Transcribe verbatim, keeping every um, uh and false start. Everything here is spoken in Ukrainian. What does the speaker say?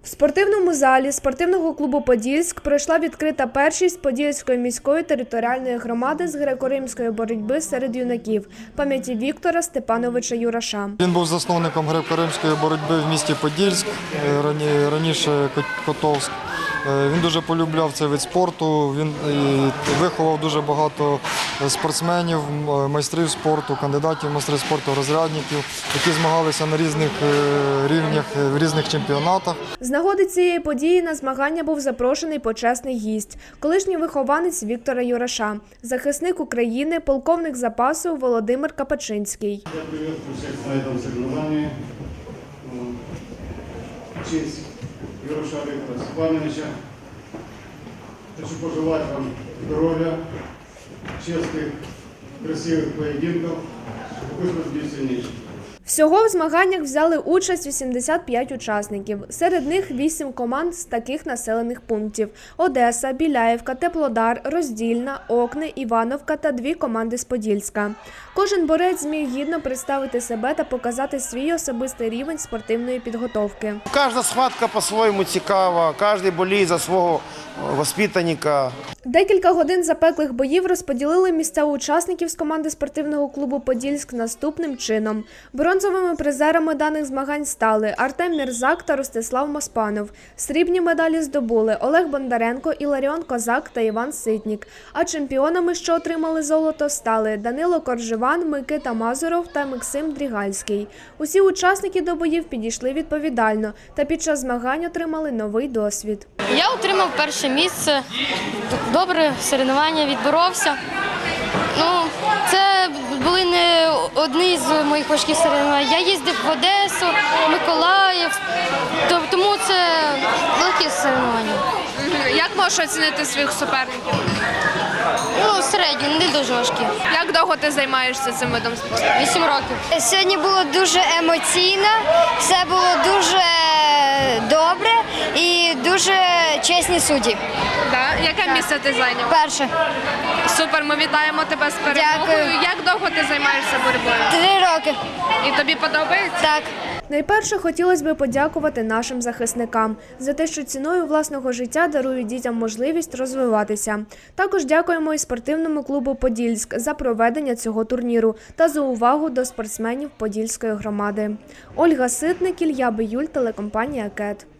В спортивному залі спортивного клубу «Подільськ» пройшла відкрита першість Подільської міської територіальної громади з греко-римської боротьби серед юнаків пам'яті Віктора Степановича Юраша. Він був засновником греко-римської боротьби в місті Подільськ, раніше Котовськ. Він дуже полюбляв цей вид спорту, він виховав дуже багато спортсменів, майстрів спорту, кандидатів в майстри спорту, розрядників, які змагалися на різних рівнях, в різних чемпіонатах. З нагоди цієї події на змагання був запрошений почесний гість – колишній вихованець Віктора Юраша, захисник України, полковник запасу Володимир Капачинський. Я приветствую всех на этом соревновании. В честь Юраша Виктора Степановича. Хочу пожелать вам здоровья, честных, красивых поединков, чтобы вы были сильнейшими. Всього в змаганнях взяли участь вісімдесят п'ять учасників. Серед них вісім команд з таких населених пунктів – Одеса, Біляївка, Теплодар, Роздільна, Окни, Івановка та дві команди з Подільська. Кожен борець зміг гідно представити себе та показати свій особистий рівень спортивної підготовки. Кожна схватка по-своєму цікава, кожен боліє за свого воспитанника. Декілька годин запеклих боїв розподілили місця учасників з команди спортивного клубу «Подільськ» наступним чином. Бронзовими призерами даних змагань стали Артем Мірзак та Ростислав Моспанов. Срібні медалі здобули Олег Бондаренко, Іларіон Козак та Іван Ситнік. А чемпіонами, що отримали золото, стали Данило Коржеван, Микита Мазуров та Максим Дрігальський. Усі учасники до боїв підійшли відповідально та під час змагань отримали новий досвід. Я отримав перше місце, добре соревнування, відборовся. Ну, це були не одні з моїх важких соревнувань. Я їздив в Одесу, Миколаїв, тому це великі соревнування. Як можеш оцінити своїх суперників? Ну, середні, не дуже важкі. Як довго ти займаєшся цим видом спорту? Вісім років. Сьогодні було дуже емоційно, все було дуже добре і дуже чесні судді. Да? Яке місце ти зайняв? Перше. Супер, ми вітаємо тебе з перемогою. Дякую. Як довго ти займаєшся боротьбою? Три роки. І тобі подобається? Так. Найперше хотілося б подякувати нашим захисникам за те, що ціною власного життя дарують дітям можливість розвиватися. Також дякуємо і спортивному клубу «Подільськ» за проведення цього турніру та за увагу до спортсменів Подільської громади. Ольга Ситник, Ілля Биюль, телекомпанія «Кет».